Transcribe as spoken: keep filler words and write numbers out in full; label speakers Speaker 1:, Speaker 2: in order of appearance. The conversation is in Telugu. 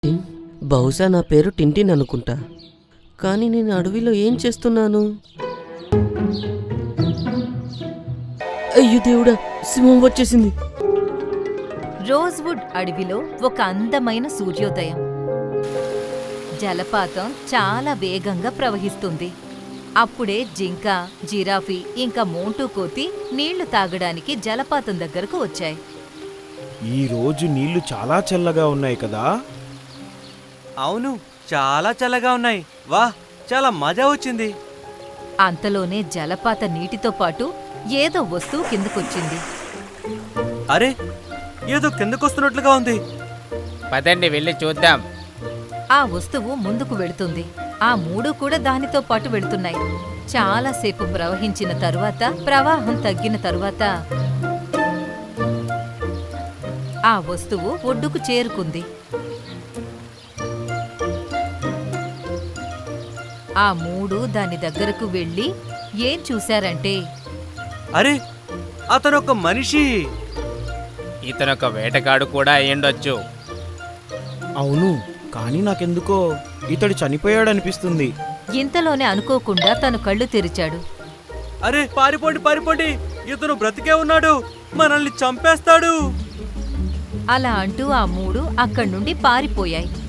Speaker 1: టిన్, బహుశా నా పేరు టింటిన్ అనుకుంటా. కానీ నేను అడవిలో ఏం చేస్తున్నాను? అయ్యో దేవుడా, సింహం వచ్చేసింది.
Speaker 2: రోజ్వుడ్ అడవిలో ఒక అందమైన సూర్యోదయం. జలపాతం చాలా వేగంగా ప్రవహిస్తుంది. అప్పుడే జింక, జిరాఫీ ఇంకా మోంటూ కోతి నీళ్లు తాగడానికి జలపాతం దగ్గరకు వచ్చాయి.
Speaker 3: ఈ రోజు నీళ్లు చాలా చల్లగా ఉన్నాయి కదా.
Speaker 4: అవును, చాలా చల్లగా ఉన్నాయి. వాహ్, చాలా మజా వచ్చింది.
Speaker 2: అంతలోనే జలపాత నీటితో పాటు ఏదో వస్తువు కిందకొచ్చింది.
Speaker 4: అరే, ఏదో కిందకొస్తున్నట్లుగా ఉంది.
Speaker 5: పదండి వెళ్ళి చూద్దాం.
Speaker 2: ఆ వస్తువు ముందుకు వెళుతుంది. ఆ మూడు కూడా దానితో పాటు వెళుతున్నాయి. చాలాసేపు ప్రవహించిన తరువాత, ప్రవాహం తగ్గిన తరువాత ఆ వస్తువు ఒడ్డుకు చేరుకుంది. ఆ మూడు దాని దగ్గరకు వెళ్ళి ఏం చూశారంటే,
Speaker 4: అరే, అతనొక మనిషి.
Speaker 5: ఇతనొక వేటగాడు కూడా అయ్యుండొచ్చు.
Speaker 3: అవును, కానీ నాకెందుకో ఇతడు చనిపోయాడనిపిస్తుంది.
Speaker 2: ఇంతలోనే అనుకోకుండా తను కళ్ళు తెరిచాడు.
Speaker 4: అరే, పారిపోండి పారిపోండి, ఇతను బ్రతికే ఉన్నాడు, మనల్ని చంపేస్తాడు.
Speaker 2: అలా అంటూ ఆ మూడు అక్కడి నుండి పారిపోయాయి.